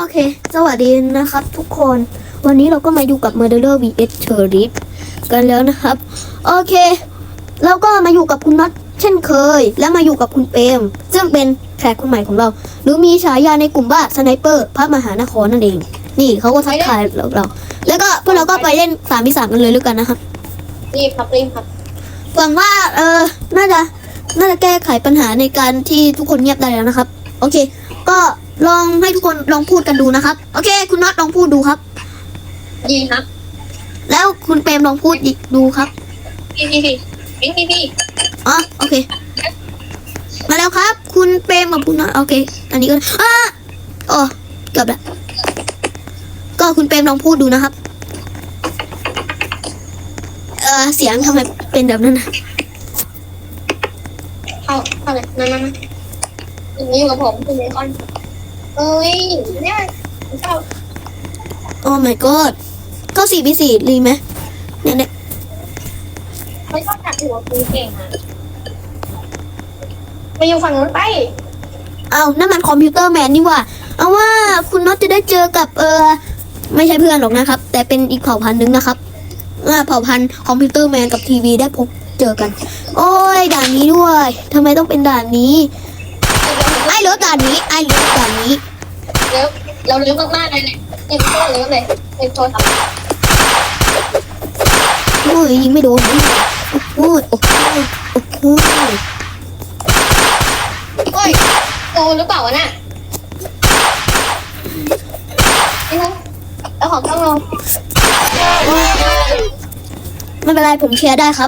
เคสวัสดีนะครับทุกคนวันนี้เราก็มาอยู่กับ Murderer vs Sheriff กันแล้วนะครับโอเคเราก็มาอยู่กับคุณน็อตเช่นเคยและมาอยู่กับคุณเปรมซึ่งเป็นแขกคนใหม่ของเราหรือมีฉายาในกลุ่มว่าสไนเปอร์พระมหานครนั่นเองนี่เขาก็ทักทายเราแล้วก็พวกเราก็ไปเล่น3v3กันเลยแล้วกันนะครับรีบครับหวังว่าน่าจะแก้ไขปัญหาในการที่ทุกคนเงียบได้แล้วนะครับโอเคก็ลองให้ทุกคนลองพูดกันดูนะครับโอเคคุณน็อตลองพูดดูครับดีครับแล้วคุณเปรมลองพูดอีกดูครับพี่อ๋อโอเคมาแล้วครับคุณเปรมกับคุณน็อตโอเคอันนี้ก็อ๋อเกือบแล้วก็คุณเปรมลองพูดดูนะครับเสียงทำไมเป็นแบบนั้นนะเข้าเลยนั่นอยู่กับผมคุณเบคอนเอ้ยเนี่ยเข้าโอ้ my god ก็4v4ดีไหมเนี่ยไม่ชอบจับหัวคุณเก่งอ่ะไปอยู่ฝั่งนู้นไปเอานั่นมันคอมพิวเตอร์แมนนี่ว่าเอาว่าคุณน็อตจะได้เจอกับไม่ใช่เพื่อนหรอกนะครับแต่เป็นอีกเผ่าพันธุ์นึงนะครับเผ่าพันธุ์คอมพิวเตอร์แมนกับทีวีได้พบเจอกันโอ้ยด่านนี้ด้วยทำไมต้องเป็นด่านนี้ไอ้เลือด่านนี้เราเลี้ยวมากๆเลยเนี่ยเต็มโซ่เลี้ยวเลยเต็มโซ่ทำโอ้ยยิงไม่โดนโอ้ยโอ้ยโตหรือเปล่าวะน่ะแล้วของต้องลงไม่เป็นไรผมเชียร์ได้ครับ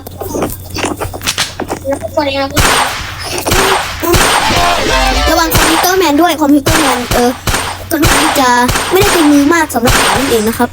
ระวังคอมพิวเตอร์แมนด้วยคอมพิวเตอร์แมนค่อนข้างจะไม่ได้เป็นมือมากสำหรับผมนั่นเองนะครับ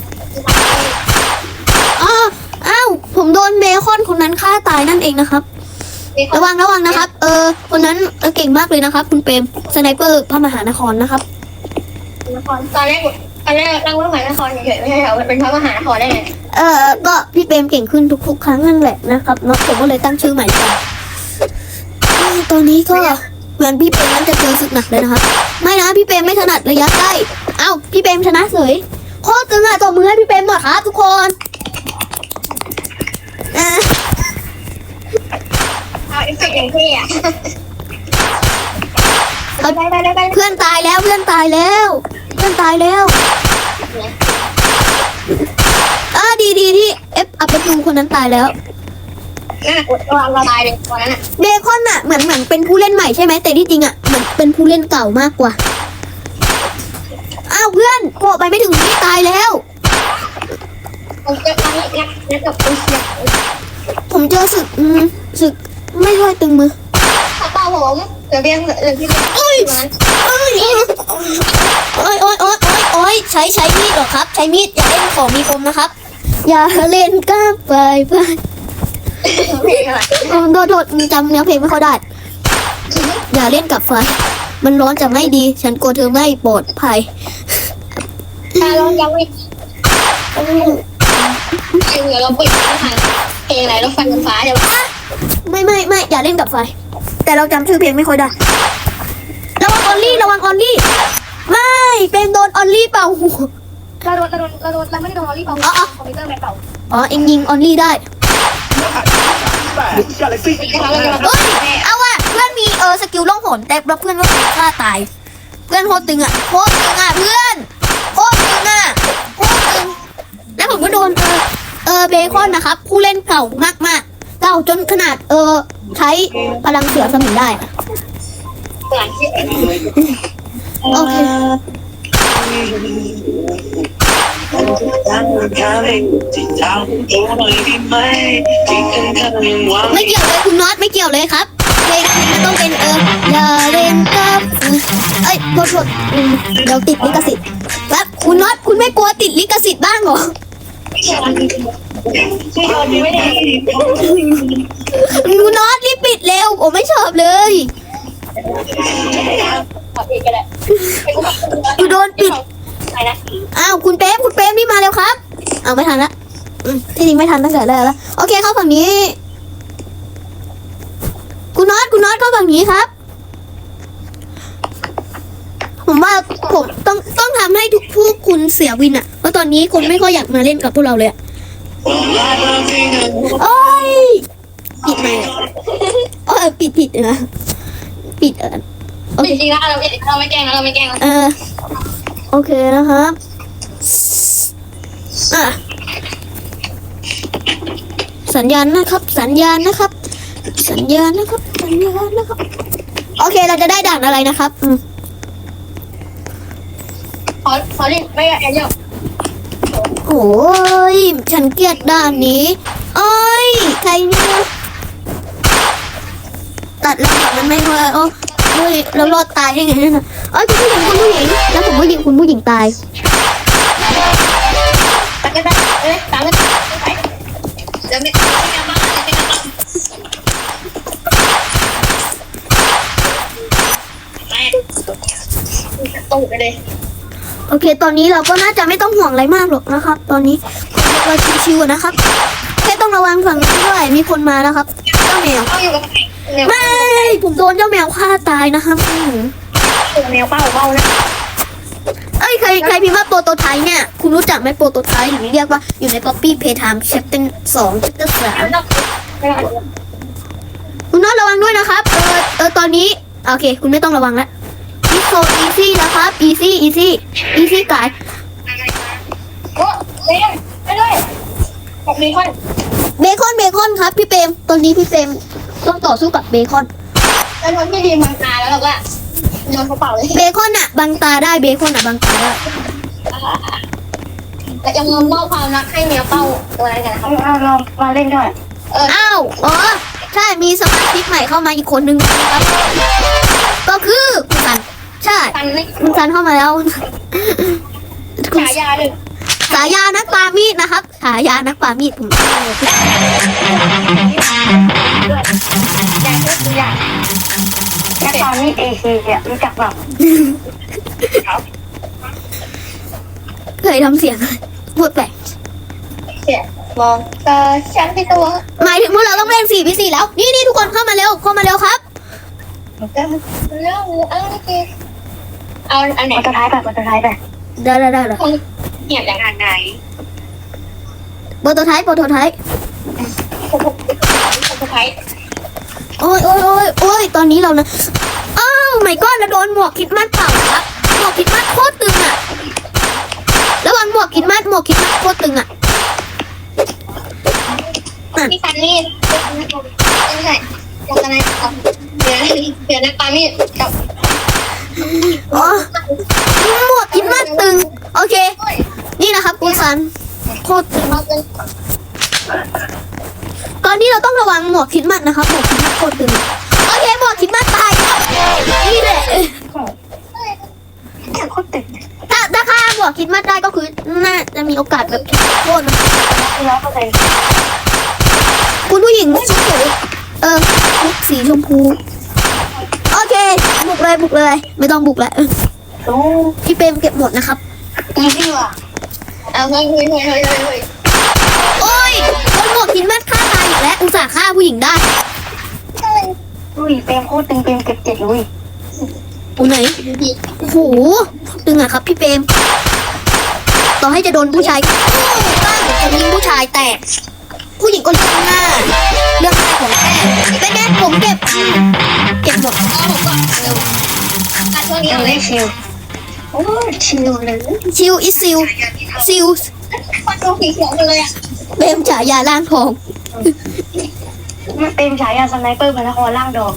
อ้าวผมโดนเบคอนคนนั้นฆ่าตายนั่นเองนะครับระวังนะครับคนนั้นเก่งมากเลยนะครับคุณเปรมสไนเปอร์พระมหานครนะครับตอนแรกตั้งพระมหานครเฉยๆไม่ใช่เหรอมันเป็นพระมหานครได้ไงก็พี่เปรมเก่งขึ้นทุกๆครั้งนั่นแหละนะครับเนาะผมก็เลยตั้งชื่อใหม่ไปตอนนี้ก็เหมือนพี่เปรมนั้นจะเจอศึกหนักเลยนะครับไม่นะพี่เปรมไม่ถนัดระยะใกล้เอ้าพี่เปรมชนะเฉยโคตรตึงอ่ะตบมือให้พี่เปรมหน่อยครับทุกคนเอาเอฟเฟกต์อย่างเท่อะเพื่อนตายแล้วดีที่เอฟอัปเดตคนนั้นตายแล้วน่ากดระวังตายเลยตอนนั้นอะเบคอนอะเหมือนเป็นผู้เล่นใหม่ใช่ไหมแต่ที่จริงอะเหมือนเป็นผู้เล่นเก่ามากกว่าอ้าวเพื่อนโผล่ไปไม่ถึงนี่ตายแล้วผมเจอตอนนี้นักกับคนเชียร์ผมเจอศึกไม่ค่อยตึงมือเปล่าผมเดี๋ยวพี่โอ้ยใช้มีดหรอครับใช้มีดอย่าเล่นของมีคมนะครับอย่าเล่นก้าไปโดดจำเนื้อเพลงไม่ค่อยได้อย่าเล่นกับไฟมันร้อนจะไม่ดีฉันกลัวเธอไม่ปลอดภัยเรายังไม่เราปิดเพลงอะไรเราฟันฟ้าเดี๋ยวไม่อย่าเล่นกับไฟแต่เราจำชื่อเพลงไม่ค่อยได้ระวังออลลี่ไม่เป็นโดนออลลี่เป่าหัวเราไม่ได้โดนออลลี่เป่าคอมพิวเตอร์แมนเป่าเอ็งยิงออลลี่ได้เอาว่ะเพื่อนมีสกิลล่องหนแต่เพื่อนก็ฆ่าตายเพื่อนโคตรตึงอ่ะเพื่อนโคตรตึงแล้วผมก็โดนเบคอนนะครับผู้เล่นเก่ามากเก่าจนขนาดใช้พลังเสือสมิงได้โอเคไม่เกี่ยวเลยคุณน็อตไม่เกี่ยวเลยครับเพลงมันต้องเป็นอย่าเล่นกับโทษเดี๋ยวติดลิขสิทธิ์แล้วคุณน็อตคุณไม่กลัวติดลิขสิทธิ์บ้างเหรอคุณน็อตรีบปิดเร็วผมไม่ชอบเลยกูโดนปิดอ้าวคุณเป๊มนี่มาเร็วครับเอาไม่ทันละที่จริงไม่ทันตั้งแต่แรกแล้วโอเคเข้าฝั่งนี้คุณน็อตเข้าฝั่งนี้ครับผมว่าผมต้องสียวินอะเพราะตอนนี้คนไม่ค่อยอยากมาเล่นกับพวกเราเลยอะโอ้ยปิดไหมค์ปิดนะปิดโอเคจริงๆแล้วเราไม่แกล้งนะเราไม่แกล้งนะโอเคนะครับอ่ะสัญญาณนะครับ สัญญาณนะครับ สัญญาณนะครับ สัญญาณนะครับ โอเคเราจะได้ด่านอะไรนะครับขอเล่นไม่แอนเดียวโอ้ยฉันเกลียดด่านนี้โอ้ยใครเนี่ยตัดแล้วมันไม่พอโอ้ยเรารอดตายได้ไงเนี่ยโอ้ยคุณผู้หญิงแล้วผมก็ยิงคุณผู้หญิงตายตามกันได้ตามกันไปเดี๋ยวไม่กลับบ้านไม่กลับบ้านตู้ไปเลยโอเค ตอนนี้เราก็น่าจะไม่ต้องห่วงอะไรมากหรอกนะครับ ตอนนี้เราชิวๆนะครับแค่ต้องระวังฝั่งนี้ด้วยมีคนมาแล้วครับเจ้าแมวต้องอยู่กับใครไม่ผมโดนเจ้าแมวฆ่าตายนะครับแมวเป้านะเอ้ยใครพิมพ์ว่าโปรโตไทป์เนี่ยคุณรู้จักไหมโปรโตไทป์หรือเรียกว่าอยู่ใน Copy Playtime Chapter 2 Chapter 3คุณน้องระวังด้วยนะครับตอนนี้โอเค คุณไม่ต้องระวังแล้วนี่โซอีซี่นะครับ อีซี่กายโอ้เล่นไปด้วยกับมีคนเบคอนครับพี่เปรมตอนนี้พี่เปรมต้องต่อสู้กับเบคอนเป็นคนที่ดีมังตาแล้วเราก็โยนกระเป๋าเลยเบคอนอะบังตาได้เบคอนอะบังตาได้แต่จะมอบความรักให้เมียเป้าตัวอะไรกันนะครับเรามาเล่นด้วยอ้าวอ๋อใช่มีสมาชิกใหม่เข้ามาอีกคนนึงนะครับก็คือคุณซันใช่ฟันไม่คุณซันเข้ามาแล้วฉายาเลยฉายานักปามีดนะครับฉายานักปามีดผมแดงก็คืออย่างแค่ตอนนี้เอซีเนี่ยรู้จักแบบเคยทำเสียงพูดแปลกเสียมองตาฉันที่ตัวหมายถึงพวกเราต้องเล่น4v4แล้วนี่ทุกคนเข้ามาเร็วครับเรื่องเอาอันไหนตัวท้ายไปตัวท้ายไปได้เหียบอย่างไหนโปรโตไทป์ตัวท้ายโอ้ยตอนนี้เรานะอ้าวไม่ก้อนเราโดนหมวกคิดมัดเปล่าครับหมวกคิดมัดโคตรตึงอะระวังหมวกคิดมัดโคตรตึงอะพี่ฟันนี่ไม่ใช่ยังไงครับเดี๋ยวนักปามีดกับอ๋อหมวกคิดมัดตึงโอเคนี่นะครับคุณซันโคตรตึงตอนนี้เราต้องระวังหมวกคิดมัดนะครับหมวกคิดมัดโคตรตึงโอเคหมวกคิดมัดตายครับนี่แหละโคตรตึงถ้าฆ่าหมวกคิดมัดได้ก็คือน่าจะมีโอกาสแบบโคตรนะ 100% คุณผู้หญิงชุดชุดสีชมพูโอเคบุกเลยไม่ต้องบุกแล้วโอ้พี่เปรมเก็บหมดนะครับอีซี่ว่ะเอาเฮ้ยโอ้ยคนหมวกคิดมัดฆ่าตายอีกแล้วอุตส่าห์ฆ่าผู้หญิงได้อุ้ยเปรมโคตรตึงเปรมเก็บ7ลุยอูไหนโอ้โหตึงอะครับพี่เปรมต่อให้จะโดนผู้ชายบ้างจะยิงผู้ชายแตกผู้หญิงก็เลือกหน้าของแท้เป็นไงผมเก็บหมดเอาผมก่อนเร็วตัดช่วงนี้เอาเลยชิลโอ้ชิลเลยชิวอิซิลฟันตรงสีเขียวเลยอ่ะเปรมฉายาล่างทองมันเป็นฉายาสไนเปอร์พระนครล่างดอก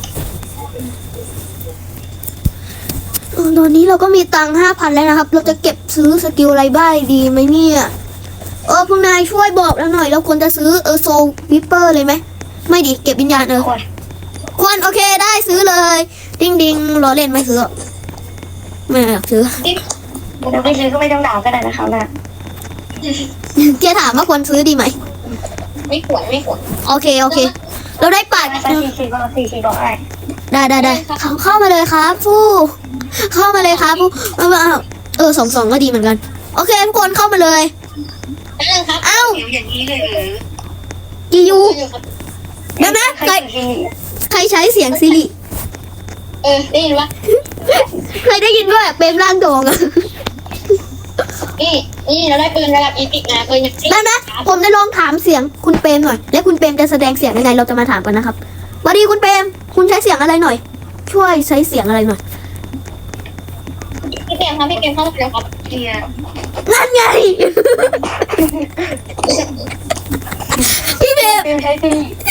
ตอนนี้เราก็มีตังค์5,000แล้วนะครับ เราจะเก็บซื้อสกิลอะไรบ้างดีไหมเนี่ยพวกนายช่วยบอกเราหน่อยเราควรจะซื้อโซวิปเปอร์เลยไหมไม่ดิเก็บวิญญาณควรโอเคได้ซื้อเลยดิ้งรอเล่นไม่ซื้อไม่อยากซื้อเดี๋ยวไปซื้อก็ไม่ต้องด่าก็ได้นะครับนะเจ๊ถามว่าควรซื้อดีไหมไม่ขวนไม่ขวนโอเคเราได้ปัดไป44บอกอะไรได้เข้ามาเลยครับฟู่เข้ามาเลยครับฟู่2ก็ดีเหมือนกันโอเคทุกคนเข้ามาเลยครับเอ้าอย่างนี้เลยหรือกิยูเดี๋ยวนะใครใช้เสียงซิริได้ยินปะเคยได้ยินด้วยเปรมร่างทองอะนี่นี่เราได้ปืนระดับอีพิกนะปืนอย่างนี้ได้ไหมผมจะลองถามเสียงคุณเปรมหน่อย และคุณเปรมจะแสดงเสียงยังไงเราจะมาถามกันนะครับสวัสดีคุณเปรมคุณใช้เสียงอะไรหน่อย ช่วยใช้เสียงอะไรหน่อยพี่เกมครับพี่เกมเข้ามาเลยครับเนี่ยนั่นไง พี่เปรมเป็นใช้ที่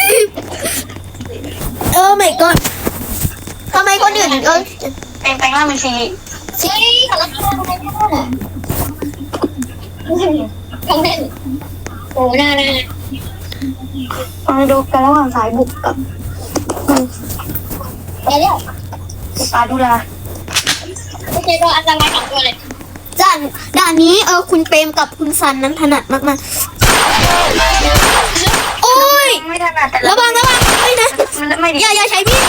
my god ทำไมคนอื่นเป็นแปลงร่างเป็นซีเฮ้ยขอรับทำไมเนี่ยของเล่นโอ้น่ามาดูกันระหว่างสายบุกกับเดี๋ยวปลาดูแลโอเคก็อันตราย2ตัวเลยด่านนี้คุณเปรมกับคุณซันนั้นถนัดมากๆโอ้ยไม่ถนัดแต่ระวังไม่นะไม่ดีอย่าใช้มีด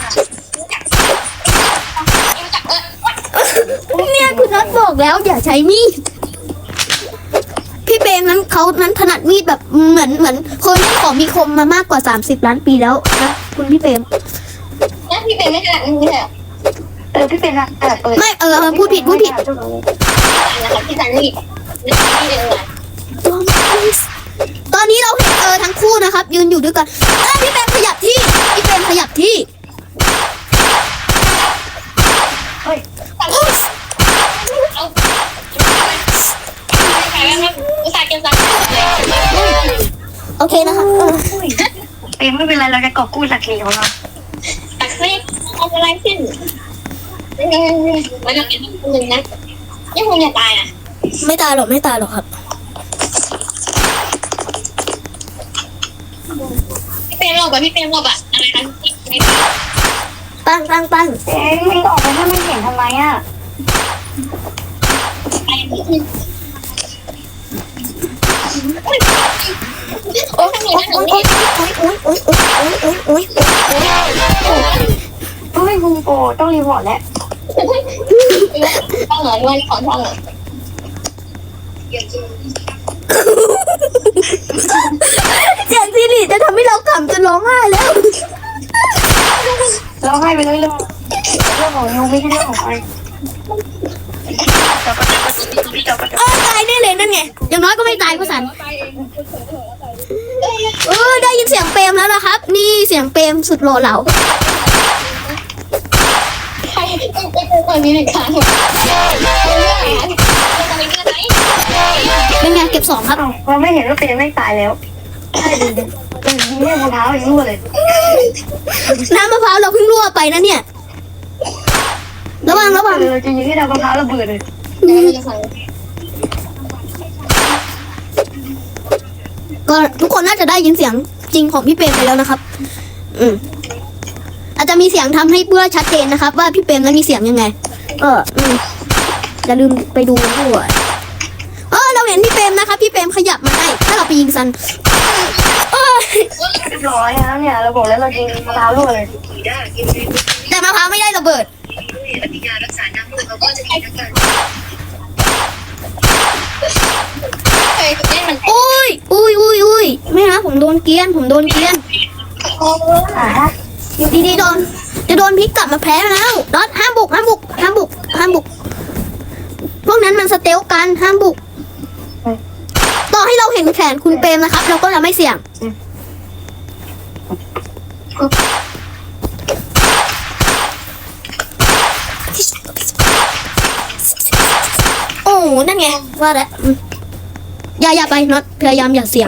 เนี่ยคุณน็อตบอกแล้วอย่าใช้มีดพี่เปรมนั้นเขานั้นถนัดมีดแบบเหมือนคนเล่นของมีคมมามากกว่า30 ล้านปีแล้วนะคุณพี่เปรมแล้วพี่เป็นไม่ถนัดนี่เหรอพี่เป็นอะเปิดไม่พูดผิดนะครับพี่สันนี่นี่เลยตอนนี้เราเห็นทั้งคู่นะครับ ยืนอยู่ด้วยกันพี่เปรมขยับที่เฮ้ยเอาใครบ้างครับอุตส่าห์เก็บสักโอเคนะคะเป็นไม่เป็นไรเราจะกอบกู้ศักดิ์ศรีของเราศักดิ์ศรีเอาอะไรขึ้นมันจะเป็นคนหนึ่งนะยังคงจะตายอ่ะไม่ตายหรอกครับพี่เป็นรอบพี่เป็นรอบอะไรนะปั้งไม่ออกไปถ้าไม่เห็นทำไมอ่ะโอ้ยไม่คุมโปต้องรีพอร์ตแล้วต้องเหรอด้วยขอต้องเหรอเสียงซีรีจะทำให้เราขำจนร้องไห้แล้วร้องไห้ไปเรื่อยๆเรื่องของยูไม่ใช่เรื่องของใครตายแน่เลยนั่นไงอย่างน้อยก็ไม่ตายผู้สันได้ยินเสียงเปรมแล้วนะครับ นี่เสียงเปรมสุดหล่อเหลาใครตอนนี้หนึ่งครั้งเป็นไงเก็บ2ครับเราไม่เห็นว่าเป็นไม่ตายแล้วใช่ดิยิงแม่มะพร้าวยังรั่วเลยน้ำมะพร้าวเราเพิ่งรั่วไปนะเนี่ยระวังเราจะยิงให้น้ำมะพร้าวระเบิดเลยก็ทุกคนน่าจะได้ยินเสียงจริงของพี่เปรมไปแล้วนะครับ อาจจะมีเสียงทำให้เพื่อชัดเจนนะครับ ว่าพี่เปรมนั้นมีเสียงยังไงอย่าลืมไปดูด้วยเราเห็นพี่เปรมนะครับพี่เปรมขยับมาให้ถ้าเราไปยิงซันเรียบร้อยแล้วเนี่ยเราบอกแล้วเรายิงมะพร้าวรั่วเลยแต่มะพร้าวไม่ได้ระเบิดอุ้ยไม่นะผมโดนเกรียนอยู่ดีๆจะโดนพลิกกลับมาแพ้แล้วน็อตห้ามบุกพวกนั้นมันสเตลกันห้ามบุกต่อให้เราเห็นแขนคุณเปรมนะครับ เราก็จะไม่เสี่ยงโอ้นั่นไงว่าแล้วอย่าไปน็อตพยายามอย่าเสี่ยง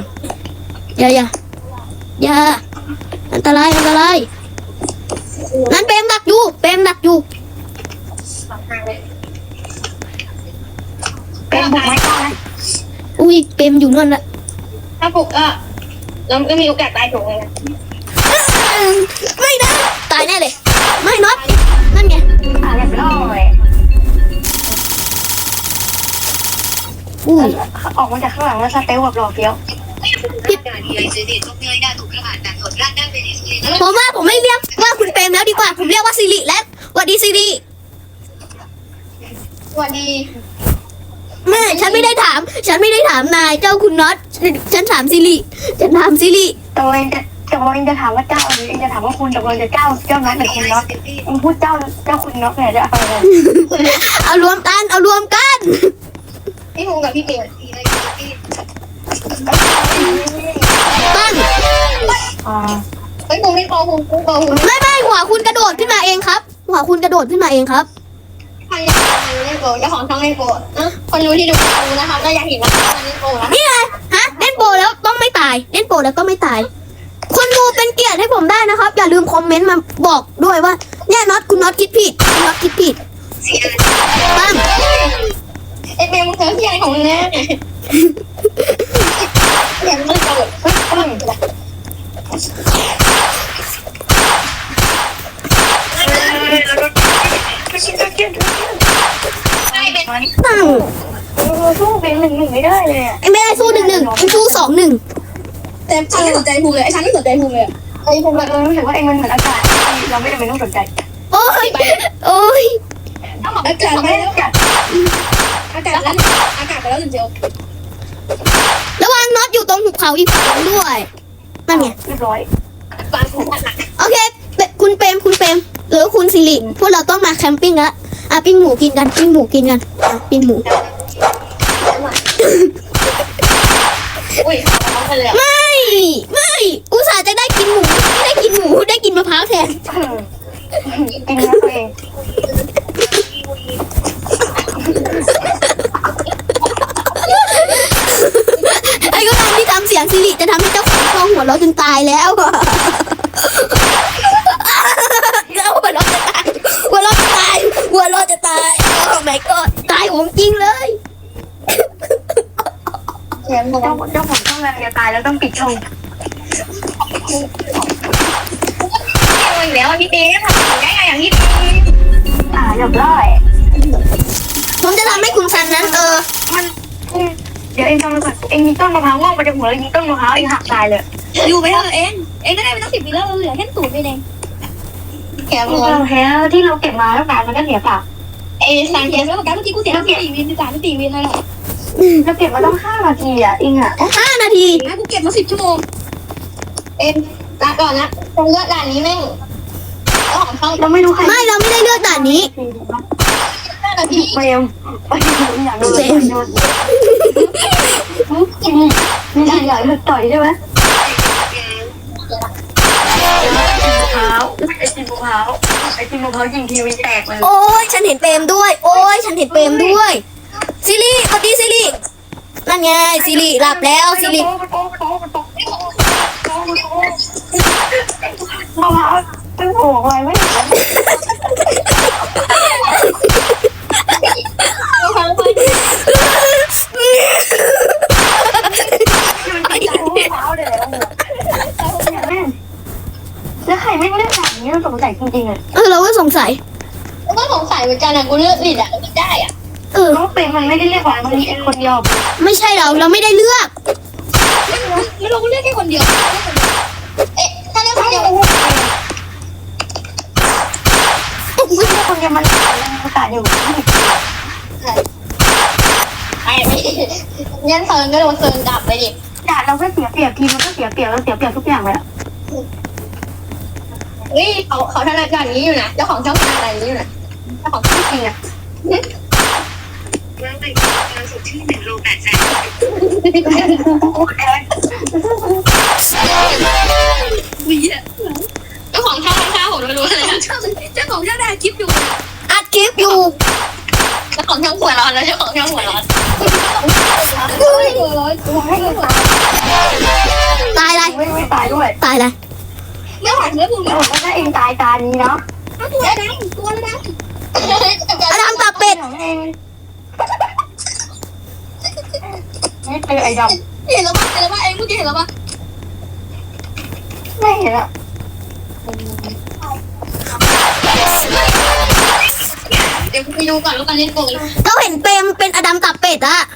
อย่าอันตรายนั้นเปรมดักอยู่เป็นบุกไม่ได้นะอุ้ยเปรมอยู่นั่นละถ้าบุกเราก็มีโอกาสตายถูกเลยนะไม่นะตายแน่เลยไม่น็อตนั่นไงเรียบร้อยอุ้ยออกมาจากข้างหลังแล้วสเตลแบบหล่อเฟี้ยวผมว่าผมไม่เรียกว่าคุณเปรมแล้วดีกว่าผมเรียกว่าซิริแล้วสวัสดีซิริสวัสดีแม่ฉันไม่ได้ถามนายเจ้าคุณน็อตฉันถามซิริตกลงจะถามว่าเจ้าหรือจะถามว่าคุณตกลงจะเจ้าน็อตหรือคุณน็อตมึงพูดเจ้าคุณน็อตเนี่ยจะเอาอะไรเอารวมกันพี่หมูงกับพี่เบลปั้งเฮ้ยผมไม่โกงผมโกงไม่หัวคุณกระโดดขึ้นมาเองครับ หัวคุณกระโดดขึ้นมาเองครับใครเล่นโกงเจ้าของช่องเล่นโกงคนรู้ที่ดูนะครับก็อยากเห็นว่าเล่นโกงนะนี่ไงฮะเล่นโปรแล้วต้องไม่ตาย เล่นโปรแล้วก็ไม่ตาย คนดูเป็นเกียรติให้ผมได้นะครับ อย่าลืมคอมเมนต์มาบอกด้วยว่าเนี่ยน็อตคุณน็อตคิดผิดคุณน็อตคิดผิดปั้งไอเบลมึงเจอที่อะไรของมึงเนี่ยอย่ามันโกงใช่เป็นปั้งสู้เป็น1-1ไม่ได้เลยไอ้ไม่ได้สู้1-1ไอ้สู้2-1 แต่ฉันไม่สนใจภูมิเลยไอ้ฉันไม่สนใจภูมิเลยไอ้ภูมิรู้สึกว่าเองมันเหมือนอากาศเราไม่จำเป็นต้องสนใจโอ้ยโอ้ยอากาศไม่ได้อากาศแล้วอากาศไปแล้วจริงระวังน็อตอยู่ตรงหุบเขาอีกฝั่งด้วยนั่นไงเรียบร้อยปลาภูมิโอเคคุณเปรมหรือคุณสิริพวกเราต้องมาแคมปิ้งแล้วปิ้งหมูกินกันปิ้งหมูกินกันปิ้งหมูอุ้ยเขาไปเลยไม่อุตส่าห์จะได้กินหมูไม่ได้กินหมูได้กินมะพร้าวแทนกินนะตัวเองไอ้ก็ตามที่ทำเสียงสิริจะทำให้เจ้าของช่องหัวเราะจนตายแล้วแล้วหัวเราะจะตายโอ้ my god ตายของจริงเลยเจ้าของช่องงานจะตายแล้วต้องปิดช่องอีกแล้วพี่เต้ทำได้ไงอย่างนี้เรียบร้อยผมจะทำให้คุณซันนั้นมันเดี๋ยวเองทำมาก่อนเองมีต้นมะพร้าวงอกมาจากหัวแล้วยิงต้นมะพร้าวเองหักตายเลยอยู่ไปเถอะเองก็ได้ไปตั้ง10 ปีแล้วเราเหลือแค่ตูดไปเองแค่เราแค่ที่เราเก็บมาแล้วการมันก็เสียเปล่าสั่งเก็บแล้วการเมื่อกี้กูเสีย4 วิน3 4 วินอะไรเราเก็บมาต้อง5 นาทีเอง 5 นาทีกูเก็บมา10 ชั่วโมงลาก่อนนะตรงเลือดด่านนี้แม่งของช่องเราไม่รู้ใครไม่เราไม่ได้เลือกด่านนี้ 5 นาทีเฟรมอยากดูเลยมีด่านใหญ่ต่อยใช่ไหมไอติมมะพร้าวยิงทีวีแตกเลยโอ้ยฉันเห็นเปรมด้วยซิริสวัสดีซิรินั่นไงซิริหลับแล้วซิริมะพร้าวเป็นโผล่อะไรไม่เห็นแล้วใครไม่เลือกแบบนี้เราสงสัยจริงๆเราก็สงสัยก็สงสัยเหมือนกันกูเลือกผิดไม่ได้น้องเป็นมันไม่ได้เลือกหวานมันมีคนเดียวไม่ใช่เราไม่ได้เลือกไม่รู้เลือกแค่คนเดียวถ้าเลือกคนเดียวคนเดียวมันประกาศอยู่ยันเซิร์นก็โดนเซิร์นดับไปดิด่าเราก็เสียเปรียบทีมันก็เสียเปรียบแล้วเสียเปรียบทุกอย่างเลยเขาถนัดอย่างนี้อยู่นะเจ้าของช่องถนัดอะไรนี้อยู่นะเจ้าของช่องจริงร่างกายการสดชื่น1 โล 8 แสนเจ้าของช่องข้าวผมรู้อะไรเจ้าของช่องได้คลิปอยู่อัดคลิปอยู่เจ้าของช่องหัวร้อนแล้วเจ้าของช่องหัวร้อนตายอะไรไม่ตายด้วยตายอะไรเรื่องของเรื่องภูมิก็ได้เองตายตานี้เนาะตัวอะไรอดัมตับเป็ดไม่เจอไอ้ดำเห็นแล้วป่ะเองเมื่อกี้เห็นแล้วป่ะไม่เห็นอะเดี๋ยวไปดูก่อนแล้วกันเล่นโกงเราเห็นเปรมเป็นอดัมตับเป็ดอะ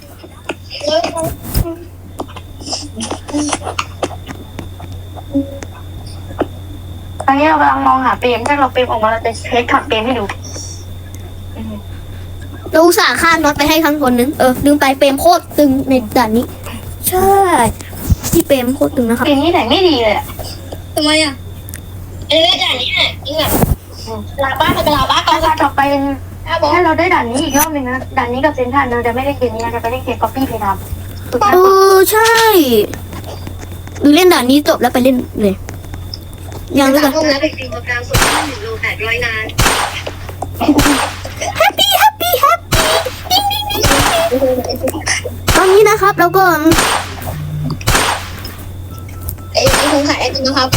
ตอนนี้เรากำลังมองหาเปรมถ้าเราเปรมออกมาเราจะเช็คขับเปรมให้ดูเราอุตส่าห์ฆ่าน็อตไปให้ครั้งคนนึงลืมไปเปรมโคตรตึงในด่านนี้ใช่ที่เปรมโคตรตึงนะครับเปรมนี่ไหนไม่ดีเลยทำไมด่านนี้จริงลาบ้าไปลาบ้าก่อนต่อไปเป็นถ้าเราได้ด่านนี้อีกรอบหนึ่งนะด่านนี้กับเซนทรัลเราจะไม่ได้เกมนี้เราจะไปเล่นเกมก๊อปปี้เพย์ทำใช่หรือเล่นด่านนี้จบแล้วไปเล่นเลยยังด้วยกันห้องแล้วเป็นจริงโปรแกรมส่วนที่1 โล 800 นานแฮปปี้ตอนนี้นะครับแล้วก็ไอ้คงขายไอติมนะครับ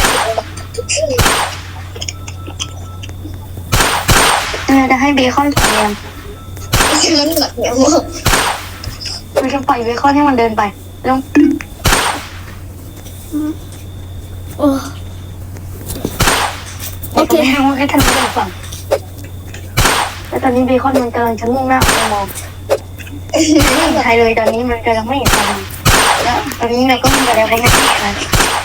จะให้เบคอนเรียนมันเหมือนเดี๋ยวเราจะปล่อยเบคอนให้มันเดินไปแล้ว โอเคให้ทันเดินก่อนแล้วตอนนี้เบคอนมันกำลังจะมุ่งหน้าไปมองไม่เห็นใครเลยตอนนี้มันกำลังไม่เห็นใครแล้วตอนนี้เราก็มีอะไรไปไม่เห็นใคร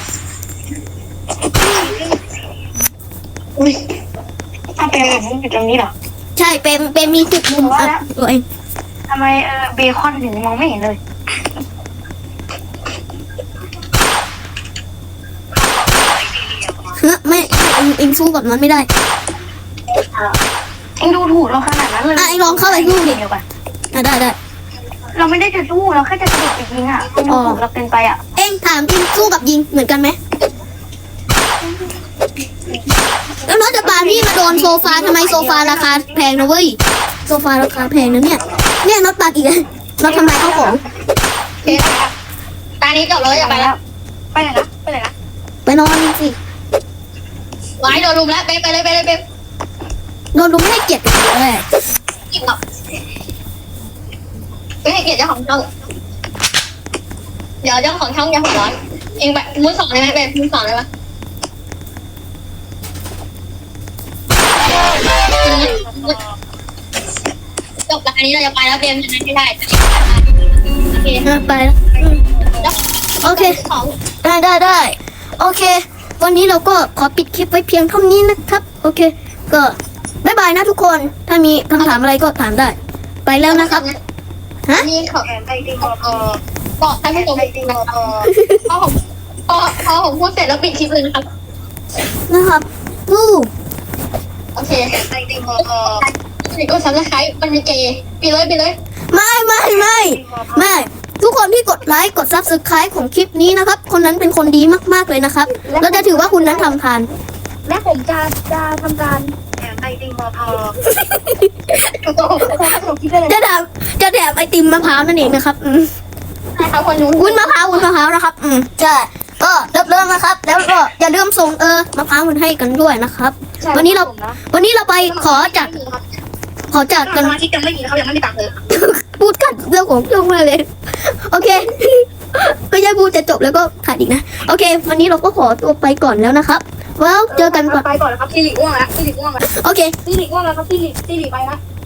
ถ้าเป็นแบบนี้อยู่ตรงนี้เหรอใช่เป็นมีจุดมุมอับตัวเองทำไมเบคอนถึงมองไม่เห็นเลยไม่เองสู้กับมันไม่ได้เอ็งดูถูกเราขนาดนั้นเลยเองลองเข้าไปสู้ดิได้เราไม่ได้จะสู้เราแค่จะกระโดดไปยิงอ่ะเอ็งดูถูกเราเป็นไปอ่ะเองถามจริงสู้กับยิงเหมือนกันไหมแล้วน้องจะปาพี่มาโดนโซฟาทำไมโซฟาราคาแพงนะเว้ยโซฟาราคาแพงนะเนี่ยน็อตปาอีกแล้วน็อตทำลายข้าวของตานี้จบแล้วอย่าไปแล้วไปไหนนะไปนอนสิไว้โดนรุมแล้วไปเลยโดนลุงไม่ให้เกียรติเลยกินหรอกไม่ให้เกียรติเจ้าของช่องเดี๋ยวเจ้าของช่องอย่าหัวร้อนเองแบบมือสองได้ไหมเป็นมือสองได้ไหมจบแล้วอันนี้เราจะไปแล้วเบมชนะไม่ได้โอเคไปแล้วโอเคของได้โอเค วันนี้เราก็ขอปิดคลิปไว้เพียงเท่านี้นะครับ โอเค ก็บ๊ายบายนะทุกคน ถ้ามีคำถามอะไรก็ถามได้ ไปแล้วนะครับ ฮะนี่ของไอติมบอกท่านผู้ชมพอผมพูดเสร็จแล้วปิดคลิปเลยนะครับนะครับอู้โอเคไอติมก็ซับสไครต์มันมีเกย์ปิดเลยไม่ทุกคนที่กดไลค์กด Subscribe ของคลิปนี้นะครับ คนนั้นเป็นคนดีมากๆเลยนะครับเราจะถือว่าคุณนั้นทำทานและผมจะทำการแถมไอติมจะแถมไอติมมะพร้าวนั่นเองนะครับนะคะคนนู้นวุ้นมะพร้าวนะครับใช่ก็เริ่มนะครับ แล้วก็อย่าลืมส่งมะพร้าวมันให้กันด้วยนะครับ วันนี้เราไปขอจากกันสมาชิกยังไม่มีเขายังไม่มีตังค์เลยพูดกันเรื่องของช่วงมาเลย โอเค ก็ยังพูดจะจบแล้วก็ขาดอีกนะ โอเค วันนี้เราก็ขอตัวไปก่อนแล้วนะครับแล้วเจอกันก่อนไปก่อนนะครับซีริอ้วงแล้วโอเคซีริอ้วงแล้วครับซีริไปนะ